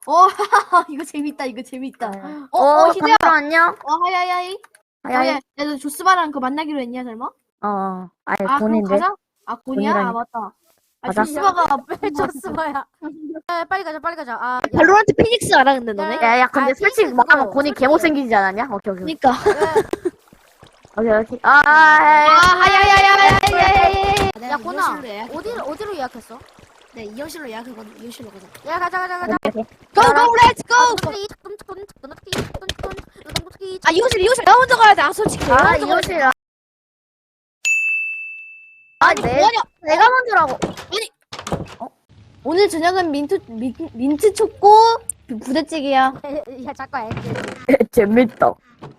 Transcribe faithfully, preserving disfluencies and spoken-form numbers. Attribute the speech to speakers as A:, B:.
A: 어, 이거 재밌다, 이거 재밌다. 어,
B: 어,
A: 어, 희대야.
B: 강로 안녕?
A: 어, 하야야이.
B: 하야이.
A: 야, 너 조스바랑 그 만나기로 했냐, 설마?
B: 어, 아니,
A: 아, 그럼
B: 본인데.
A: 가자? 아, 곤이야? 아,
B: 곤이라니.
A: 맞다. 아,
B: 가자.
A: 조스바가.
C: 왜 조스바야? 야, 빨리 가자, 빨리 가자. 아, 야.
D: 발로란트 피닉스 알아 근데 너네?
C: 야,
B: 야, 야, 근데
C: 아,
B: 솔직히
C: 피닉스
B: 말하면
C: 그거,
B: 본인
C: 솔직히.
B: 개못생기지 않았냐? 오케이, 오케이.
D: 그니까.
B: 오케이, 오케이. 아, 아,
A: 아,
B: 아,
A: 하야야야야야야야.
C: 야, 고나. 어디로, 어디로 예약했어?
D: 네, 이형실로 예약했거든. 이형실로 가자.
C: 야, 가자, 가자, 가자.
D: 고, 고, 렛츠 고! 아, 이형실, 이형실. 나 먼저 가야 돼. 아, 솔직히. 내가
B: 아,
D: 먼저 가야 돼.
B: 이것이라. 아, 내,
D: 뭐하냐?
B: 내가 먼저라고.
D: 오늘 저녁은 민트, 민, 민트 초코 부- 부대찌개야.
C: 야, 잠깐.
B: 재밌다.